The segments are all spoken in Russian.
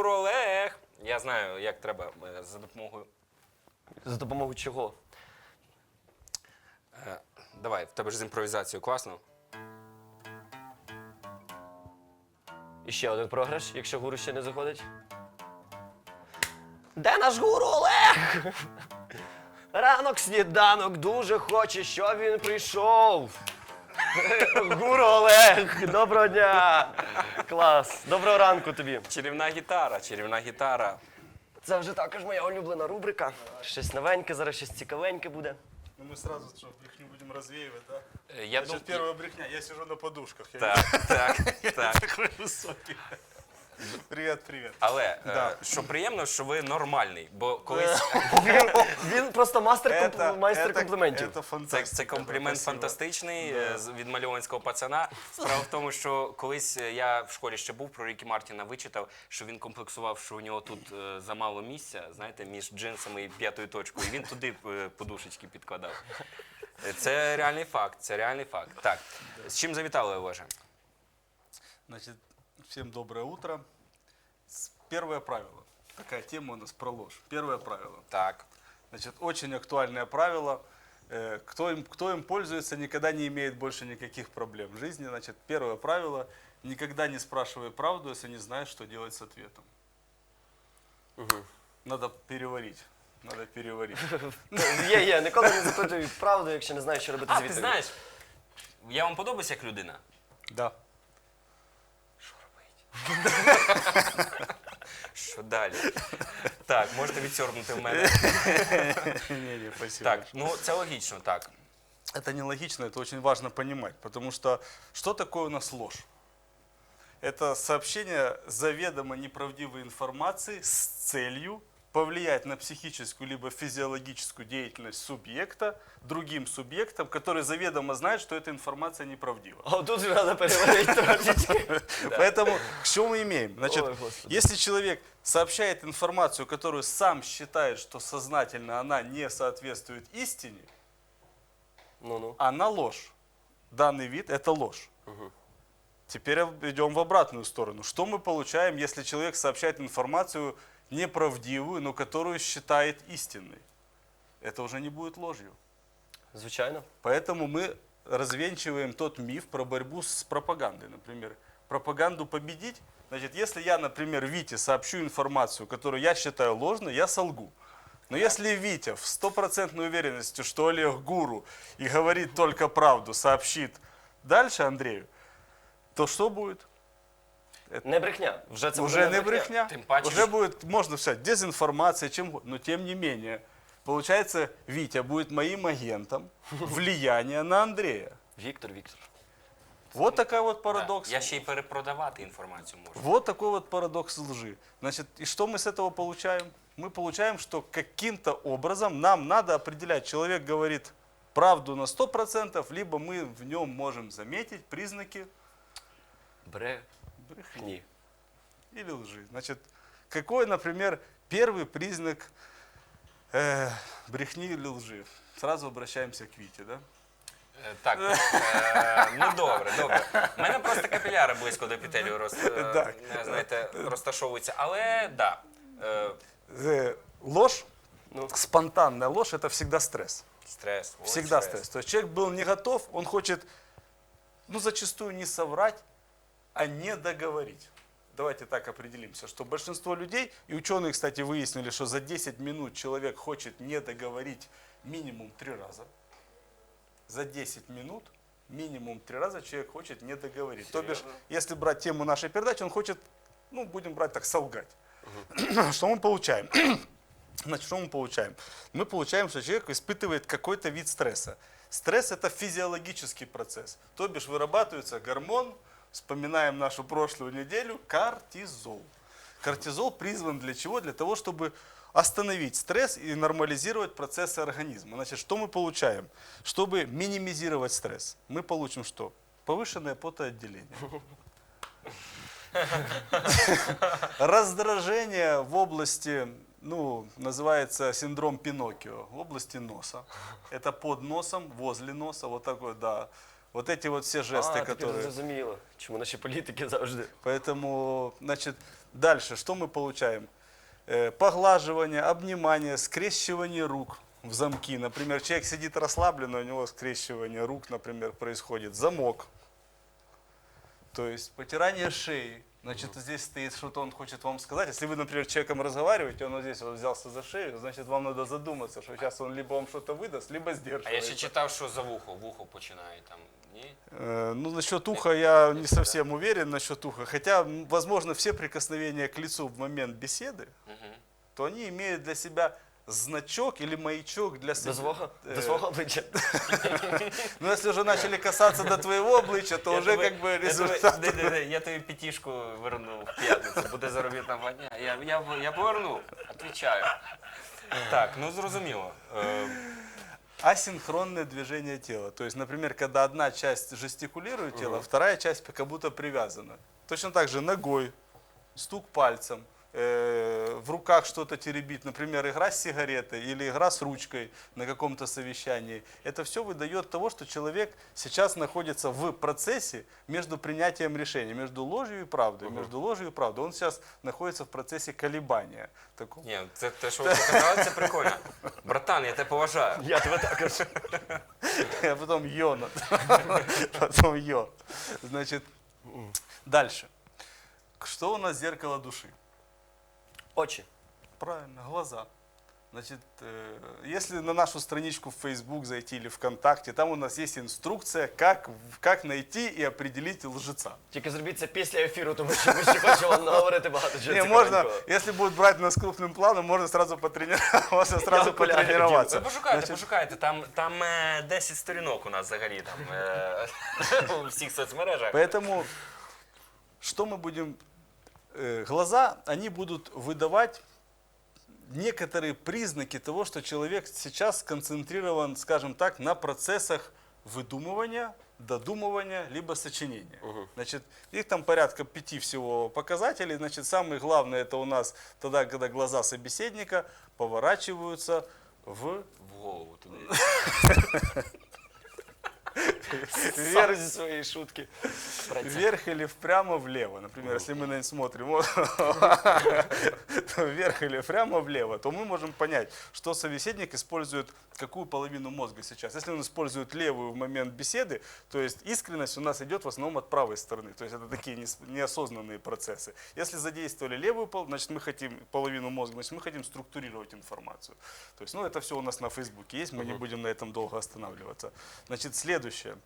гуру Олег. Я знаю, як треба за допомогою. За допомогою чого? Давай, в тебе ж з імпровізацією класно. І ще один програш, якщо гуру ще не заходить. Де наш гуру Олег? Ранок сніданок дуже хоче, щоб він прийшов. Гуру Олег, доброго дня! Клас, доброго ранку тобі. Чарівна гітара, чарівна гітара. Це вже також моя улюблена рубрика. Щось новеньке, зараз щось цікавеньке буде. Ну мы сразу что, брехню будем развеивать, да? Я Значит, первая брехня, я сижу на подушках. Я Так. такой высокий. Привет, привет. Але, Да. що приємно, що ви нормальний, бо колись Він просто майстер компліментів. Это фантастика. це комплімент Спасибо. фантастичний від мальованського пацана. Справа в тому, що колись я в школі ще був, про Рікі Мартіна вичитав, що він комплексував, що у нього тут замало місця, знаєте, між джинсами і п'ятою точкою. І він туди подушечки підкладав. Це реальний факт, це реальний факт. Так, з чим завітали, Олеже? Значит, всем доброе утро. Первое правило. Такая тема у нас про ложь. Первое правило. Так. Значит, очень актуальное правило. Кто им пользуется, никогда не имеет больше никаких проблем в жизни. Значит, первое правило. Никогда не спрашивай правду, если не знаешь, что делать с ответом. Надо переварить. Надо переварить. Є, ніколи не запитуй правду, якщо не знаєш, що робити з А, ти відповіддю. знаєш, я вам подобаюся як людина? Да. Що робить? Що далі? Так, можете відсьорбнути в мене. Не, спасибо. Так, ну це логічно, так. Это нелогично, это очень важно понимать, потому что такое у нас ложь? Это сообщение заведомо неправдивой информации с целью повлиять на психическую либо физиологическую деятельность субъекта другим субъектом, который заведомо знает, что эта информация неправдива. А тут вже треба переварити трошечки. Поэтому что мы имеем? Значит, Ой, Господи. если человек сообщает информацию, которую сам считает, что сознательно она не соответствует истине, Ну-ну. она ложь. Данный вид – это ложь. Теперь идем в обратную сторону. Что мы получаем, если человек сообщает информацию неправдивую, но которую считает истинной? Это уже не будет ложью. Звичайно. Поэтому мы развенчиваем тот миф про борьбу с пропагандой. Например, пропаганду победить, значит, если я, например, Вите сообщу информацию, которую я считаю ложной, я солгу. Но если Витя в 100% уверенности, что Олег гуру и говорит только правду, сообщит дальше Андрею, то что будет? Не брехня. Вже це Уже буде не брехня. Тем паче, Уже будет, можно сказать, дезинформация, чем угодно. Но тем не менее, получается, Витя будет моим агентом влияния на Андрея. Віктор. Вот такой вот парадокс. Я ще й перепродавати інформацію можу. Вот такой вот парадокс лжи. Значит, и что мы с этого получаем? Мы получаем, что каким-то образом нам надо определять, человек говорит правду на 100%, либо мы в нем можем заметить признаки брехни Брехні. или лжи. Значит, какой, например, первый признак брехни или лжи? Сразу обращаемся к Вите, да? Так, ну добре. У мене просто капіляри близько до епітелію Так. знаєте, розташовуються. Але, да. Ложь, Ну. спонтанная ложь – это всегда стресс. Стрес. ой, Всегда стресс. То есть человек был не готов, он хочет, ну, зачастую не соврать, а не договорить. Давайте так определимся, что большинство людей, и ученые, кстати, выяснили, что за 10 минут человек хочет не договорить минимум 3 раза. За 10 минут минимум 3 раза человек хочет не договорить. То бишь, если брать тему нашей передачи, он хочет, ну, будем брать так, солгать. Что мы получаем? Значит, что мы получаем? Мы получаем, что человек испытывает какой-то вид стресса. Стресс – это физиологический процесс. То бишь вырабатывается гормон, вспоминаем нашу прошлую неделю, кортизол. Кортизол призван для чего? Для того, чтобы остановить стресс и нормализировать процессы организма. Значит, что мы получаем? Чтобы минимизировать стресс, мы получим что? Повышенное потоотделение. Раздражение в области, ну, называется синдром Пиноккио, в области носа. Это под носом, возле носа, вот такой, да. Вот эти вот все жесты, тепер которые... зрозуміло, чому наші політики завжди. Поэтому, значит, дальше что мы получаем? Поглаживание, обнимание, скрещивание рук в замки. Например, человек сидит расслабленно, у него скрещивание рук, например, происходит. Замок. То есть потирание шеи. Значит, здесь стоит что-то, он хочет вам сказать. Если вы, например, с человеком разговариваете, он вот здесь вот взялся за шею, значит, вам надо задуматься, что сейчас он либо вам что-то выдаст, либо А я сдерживается. ще читав, що за вухо починає там. Ні? Ну, насчет уха я не совсем уверен насчет уха. Хотя, возможно, все прикосновения к лицу в момент беседы, то они имеют для себя значок или маячок для себя. До свого обличчя. Ну, если уже начали касаться до твоего обличия, то уже как бы результат. Я тобі п'ятішку верну в п'ятницю, буде заробітна платня. Я поверну, відповідаю. Так, ну зрозуміло. Асинхронное движение тела. То есть, например, когда одна часть жестикулирует тело, вторая часть как будто привязана. Точно так же ногой, стук пальцем, в руках что-то теребит, например, игра с сигаретой или игра с ручкой на каком-то совещании. Это все выдает того, что человек сейчас находится в процессе между принятием решения, между ложью и правдой, между ложью и правдой. Он сейчас находится в процессе колебания. Такого. Ні, це те, що ви показали, це прикольно. Братан, я тебе поважаю. Я тебе також. А потом йо. Потом йо. Значит, дальше. Что у нас зеркало души? Очі. Правильно, глаза. Значит, если на нашу страничку в Facebook зайти или ВКонтакте, там у нас есть инструкция, как найти и определить лжеца. Тільки зробіть це після ефіру, тому що ми ще хочемо вам наговорити багато чого Не, можно, цікавенького. если будет брать нас крупным планом, можно сразу потренироваться. Сразу гуляю, потренироваться. Пошукайте, там 10 сторінок у нас взагалі там у всіх соцмережах. Поэтому, что мы будем... Глаза, они будут выдавать некоторые признаки того, что человек сейчас сконцентрирован, скажем так, на процессах выдумывания, додумывания, либо сочинения. Значит, их там порядка 5 всего показателей. Значит, самое главное это у нас тогда, когда глаза собеседника поворачиваются в В голову туди. Сам зі своєї шутки. вверх или прямо влево. Например, если мы на это смотрим вот, вверх или прямо влево, то мы можем понять, что собеседник использует какую половину мозга сейчас. Если он использует левую в момент беседы, то есть искренность у нас идет в основном от правой стороны. То есть это такие неосознанные процессы. Если задействовали левую половину, значит мы хотим половину мозга, значит мы хотим структурировать информацию. То есть, ну это все у нас на Фейсбуке есть, мы не будем на этом долго останавливаться. Значит, следующее.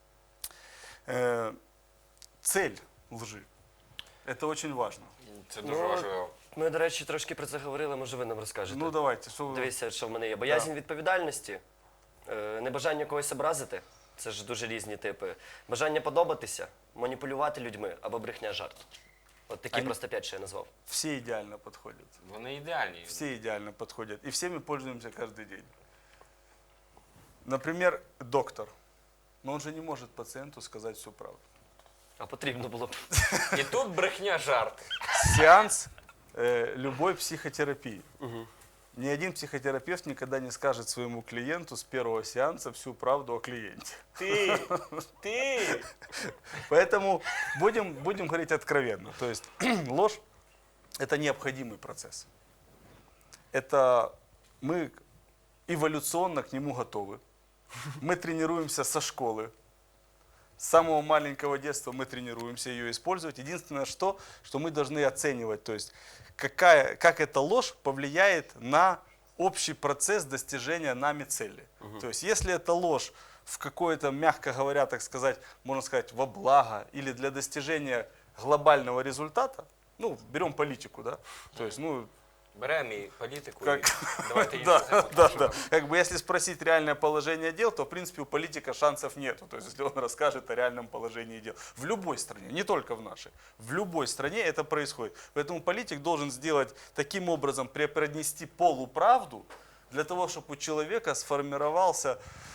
Цель лжи. Это очень важно. Це дуже важливо. Ми, до речі, трошки про це говорили, може ви нам розкажете. Ну давайте, что вы... Дивіться, що в мене є. Боязнь відповідальності, небажання когось образити, це ж дуже різні типи. Бажання подобатися, маніпулювати людьми або брехня жарт. От такі просто 5, що я назвав. Все идеально подходят. Вони ідеальні. Все идеально подходят. И всеми пользуемся каждый день. Например, доктор. Но он же не может пациенту сказать всю правду. А потрібно було б. І тут брехня жарт. Сеанс любой психотерапии. Ни один психотерапевт никогда не скажет своему клиенту с первого сеанса всю правду о клиенте. Ти! Поэтому будем говорить откровенно. То есть ложь – это необходимый процесс. Это мы эволюционно к нему готовы. Мы тренируемся со школы. С самого маленького детства мы тренируемся ее использовать. Единственное, что мы должны оценивать, то есть как эта ложь повлияет на общий процесс достижения нами цели. То есть если эта ложь в какое-то, мягко говоря, так сказать, можно сказать, во благо или для достижения глобального результата, ну, берем политику, да, то есть, ну, Беремо і політику, Как? і давайте її да, називати. да, да. Как бы если спросить реальное положение дел, то в принципе у политика шансов нету. То есть если он расскажет о реальном положении дел. В любой стране, не только в нашей, в любой стране это происходит. Поэтому политик должен сделать таким образом, преподнести полуправду, для того, чтобы у человека сформировался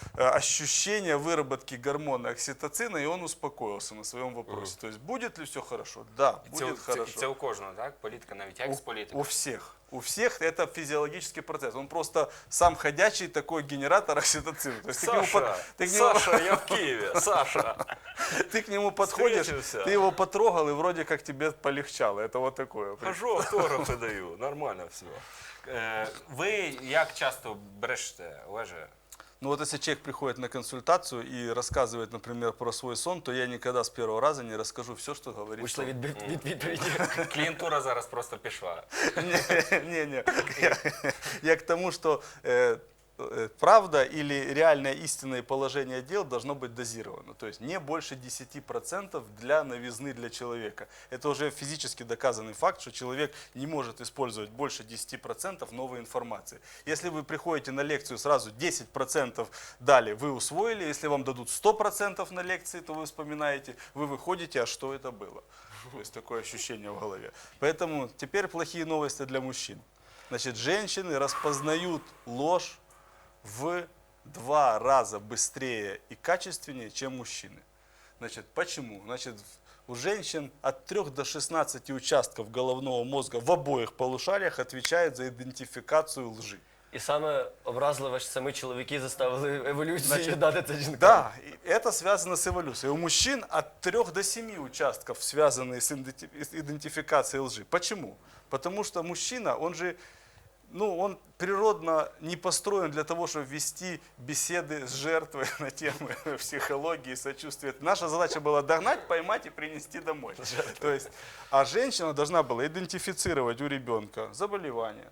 ощущение выработки гормона окситоцина, и он успокоился на своем вопросе. То есть будет ли все хорошо? Да, будет хорошо. Це у кожного, так? Політика, навіть екс-політика. У всех. У всех это физиологический процесс. Он просто сам ходячий такой генератор окситоцина. То есть Саша, я в Киеве, Саша. ты к нему подходишь, Встретился. ты его потрогал, и вроде как тебе полегчало. Это вот такое. Хожу, автографи даю, нормально все. Ви як часто брешете, Олеже? Ну вот если человек приходит на консультацию и рассказывает, например, про свой сон, то я никогда с первого раза не расскажу все, что говорит Вийшли сон. від відповіді. Клієнтура зараз просто пішла. Не. Я к тому, что правда или реальное истинное положение дел должно быть дозировано. То есть не больше 10% для новизны для человека. Это уже физически доказанный факт, что человек не может использовать больше 10% новой информации. Если вы приходите на лекцию сразу 10% дали, вы усвоили. Если вам дадут 100% на лекции, то вы вспоминаете, вы выходите, а что это было? То есть такое ощущение в голове. Поэтому теперь плохие новости для мужчин. Значит, женщины распознают ложь в 2 раза быстрее и качественнее, чем мужчины. Значит, почему? Значит, у женщин от 3 до 16 участков головного мозга в обоих полушариях отвечают за идентификацию лжи. І саме образливо, що самі чоловіки заставили еволюцію Значить, дати це жінкам. Да, и это связано с эволюцией. У мужчин от 3 до 7 участков, связанные с идентификацией лжи. Почему? Потому что мужчина, он же, он природно не построен для того, чтобы вести беседы с жертвой на темы психологии, сочувствия. Наша задача была догнать, поймать и принести домой. То есть, а женщина должна была идентифицировать у ребенка заболевания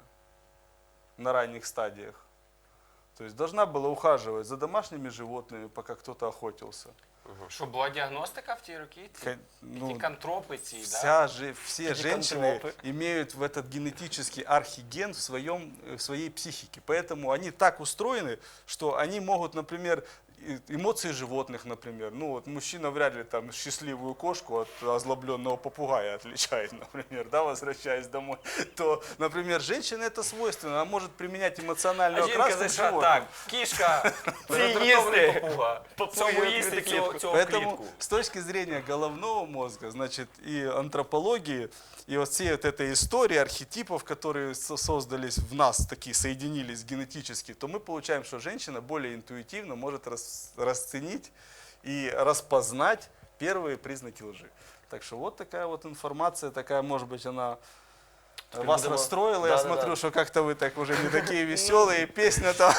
на ранних стадиях. То есть должна была ухаживать за домашними животными, пока кто-то охотился. Що була діагностика в ті роки? Ті кантропи ці, да? Все женщины имеют в этот генетический архиген в своей психике. Поэтому они так устроены, что они могут, например, эмоции животных, например. Ну вот мужчина вряд ли там счастливую кошку от озлобленного попугая отличает, например, да, возвращаясь домой. То, например, женщине это свойственно, она может применять эмоциональную А жінка окраску к зайшла, животным. так, кішка, роздратований попуга. Цьому їсти цього Поэтому клітку. с точки зрения головного мозга, значит, и антропологии, и вот всей вот этой истории архетипов, которые создались в нас, такие соединились генетически, то мы получаем, что женщина более интуитивно может расценить и распознать первые признаки лжи. Так что вот такая вот информация, такая, может быть, она вас будемо- расстроила. Я Да. смотрю, что как-то вы так уже не такие веселые, песня там.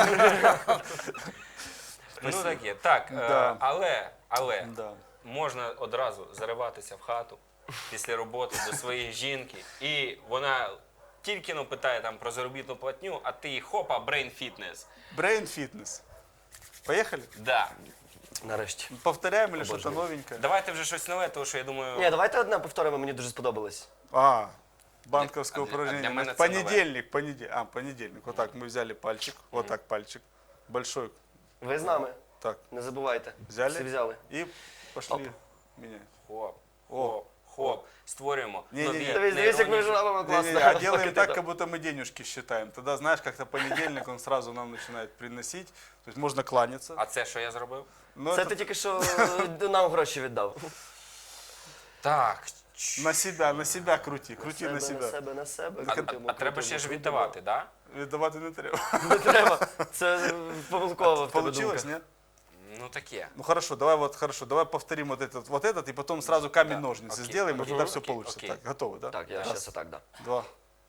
Ну таке. Так, Да. але Да. можна одразу зариватися в хату після роботи до своєї жінки, і вона тільки питає там про заробітну платню, а ти хопа, брейн фітнес. Brain fitness. Поехали? Да. Нарешті. Повторяем или что-то Обожаю. новенькое? Давайте вже щось нове, тому що я думаю. Ні, давайте одне повторимо, мені дуже сподобалось. Банковское А для упражнение. мене Значит, це понедельник. Вот так мы взяли пальчик, вот так пальчик, большой, Ви з нами, так, не забувайте. взяли Всі взяли. и пошли Оп. менять. Хоп, хоп, хоп. Створюємо Ні-ні-ні. нові Дивись, дивись, як ми нейронні- робимо класно. Не-не-не, а делаем Поки так, ти как будто мы денежки считаем. Тогда, знаешь, как-то понедельник он сразу нам начинает приносить. То есть можно кланяться. А це що я зробив? Но Це это ти тільки що нам гроші віддав. Так. на себя крути на На себя. себе, на себе. А крутимо, треба ще крутимо, ж крутимо. віддавати, так? Давати не треба. Не треба. Це помилково в тебе Получилось, думка. нет? Ну таке. Ну хорошо, давай повторим вот этот, и потом сразу камень-ножницы окей, сделаем, и окей, тогда все окей, получится. окей. Так, готовы, да? Так, я Раз, зараз отак, да. два.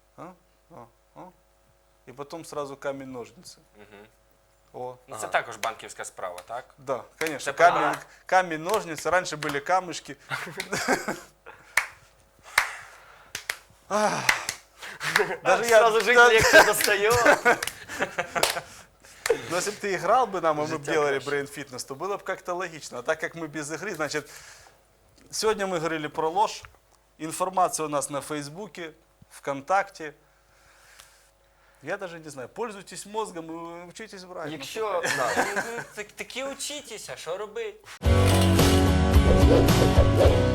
И потом сразу камень-ножницы. О, Ну це також банківська справа, так? да, конечно. Это правильно. Камень-ножницы. Раньше были камушки. Даже я, Сразу жить да, легче достаю. но если бы ты играл бы нам, а мы бы Життя делали краще. брейн-фитнес, то было бы как-то логично. А так как мы без игры, значит, сегодня мы говорили про ложь. Информация у нас на Фейсбуке, ВКонтакте. Я даже не знаю, пользуйтесь мозгом и учитесь врать. Якщо... да. Такі учітеся, що робити?